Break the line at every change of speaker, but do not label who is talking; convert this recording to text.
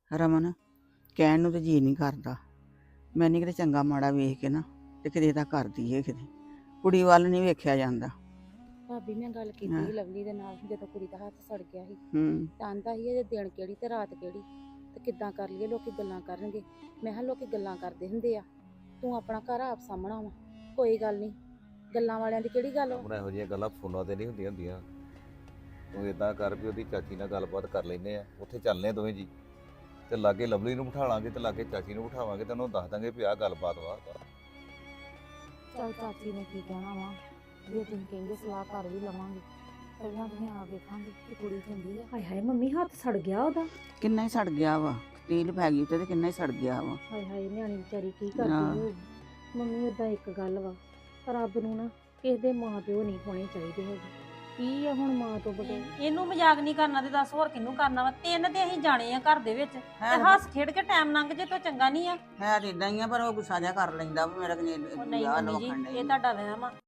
ਰਮਨ ਕਹਿਣ ਨੂੰ ਤੇ ਜੀ ਨਹੀਂ ਕਰਦਾ। ਮੈਂ ਨਹੀਂ ਕਿਤੇ ਚੰਗਾ ਮਾੜਾ ਵੇਖ ਕੇ ਨਾ ਤੇ ਕਿਤੇ ਦਾ ਕਰਦੀ ਏ ਕਿਤੇ ਕੁੜੀ ਵੱਲ ਨਹੀਂ ਵੇਖਿਆ ਜਾਂਦਾ।
ਭਾਬੀ ਮੈਂ ਗੱਲ ਕੀਤੀ ਸੀ ਲਵਲੀ ਦੇ ਨਾਲ ਜਦੋਂ ਕੁੜੀ ਦਾ ਹੱਥ ਸੜ ਗਿਆ ਸੀ ਤਾਂ ਆਂਦਾ ਸੀ ਇਹ ਦਿਨ ਕਿਹੜੀ ਤੇ ਰਾਤ ਕਿਹੜੀ ਤੇ ਕਿੱਦਾਂ ਕਰ ਲਈਏ, ਲੋਕੀ ਗੱਲਾਂ ਕਰਨਗੇ। ਮੈਂ ਕਿਹਾ ਲੋਕੀ ਗੱਲਾਂ ਕਰਦੇ ਹੁੰਦੇ ਆ, ਤੂੰ ਆਪਣਾ ਘਰ ਆਪ ਸਾਹਮਣਾ ਵਾ, ਕੋਈ ਗੱਲ ਨਹੀਂ, ਗੱਲਾਂ ਵਾਲਿਆਂ ਦੀ ਕਿਹੜੀ ਗੱਲ ਵਾ।
ਹੁਣ ਇਹੋ ਜਿਹੀਆਂ ਗੱਲਾਂ ਫੋਨਾਂ ਤੇ ਨਹੀਂ ਹੁੰਦੀਆਂ। ਤੂੰ ਇਦਾਂ ਕਰ ਵੀ ਉਹਦੀ ਚਾਚੀ ਨਾਲ ਗੱਲਬਾਤ ਕਰ ਲੈਨੇ ਆ, ਉੱਥੇ ਚੱਲਨੇ ਦੋਵੇਂ ਜੀ ਤੇ ਲਾਗੇ ਲਵਲੀ ਨੂੰ ਬਿਠਾ ਲਾਂਗੇ ਤੇ ਲਾਗੇ ਚਾਚੀ ਨੂੰ ਬਿਠਾਵਾਂਗੇ ਤੇ ਉਹਨੂੰ ਦੱਸ ਦਾਂਗੇ ਵੀ ਆਹ ਗੱਲਬਾਤ ਵਾ।
ਚੱਲ ਚਾਚੀ ਨੇ ਕੀ ਕਹਿਣਾ ਵਾ, ਜੇ ਤੁਸੀਂ ਕਹਿੰਦੇ ਸਲਾਹ ਕਰ ਵੀ ਲਵਾਂਗੇ, ਪਹਿਲਾਂ ਤੁਸੀਂ ਆ ਵੇਖਾਂਗੇ ਕਿ ਕੁੜੀ ਚੰਗੀ ਆ। ਹਾਏ ਹਾਏ ਮੰਮੀ ਹੱਥ ਸੜ ਗਿਆ ਉਹਦਾ।
ਕਿੰਨਾ ਹੀ ਸੜ ਗਿਆ ਵਾ, ਤੇਲ ਪੈ ਗਈ ਉੱਤੇ ਤੇ ਕਿੰਨਾ ਹੀ ਸੜ ਗਿਆ ਵਾ।
ਹਾਏ ਹਾਏ ਨਿਆਣੀ ਵਿਚਾਰੀ ਕੀ ਕਰਦੀ ਹੋਊਗੀ। ਮੰਮੀ ਓਦਾਂ ਇੱਕ ਗੱਲ ਵਾ, ਰੱਬ ਨੂੰ ਨਾ ਕਿਸੇ ਦੇ ਮਾਂ ਪਿਓ ਨਹੀਂ ਹੋਣੇ ਚਾਹੀਦੇ ਹੈਗੇ। ਕੀ ਆ ਹੁਣ ਮਾਂ ਤੋਂ ਬਗੈਰ।
ਇਹਨੂੰ ਮਜ਼ਾਕ ਨਹੀਂ ਕਰਨਾ ਤੇ ਦੱਸ ਹੋਰ ਕਿਹਨੂੰ ਕਰਨਾ ਵਾ। ਤਿੰਨ ਤੇ ਅਸੀਂ ਜਾਣੇ ਆ ਘਰ ਦੇ ਵਿੱਚ ਤੇ ਹੱਸ ਖੇਡ ਕੇ ਟਾਈਮ ਲੰਘ ਜੇ ਤਾਂ ਚੰਗਾ ਨਹੀਂ ਆ।
ਹੈ ਤਾਂ ਇਦਾਂ ਹੀ ਆ, ਪਰ ਉਹ ਗੁੱਸਾ ਜਿਹਾ ਕਰ ਲੈਂਦਾ ਵੀ ਮੇਰਾ
ਉਹ ਨਹੀਂ ਮੰਮੀ ਜੀ, ਇਹ ਤੁਹਾਡਾ ਵਹਿਮ ਆ।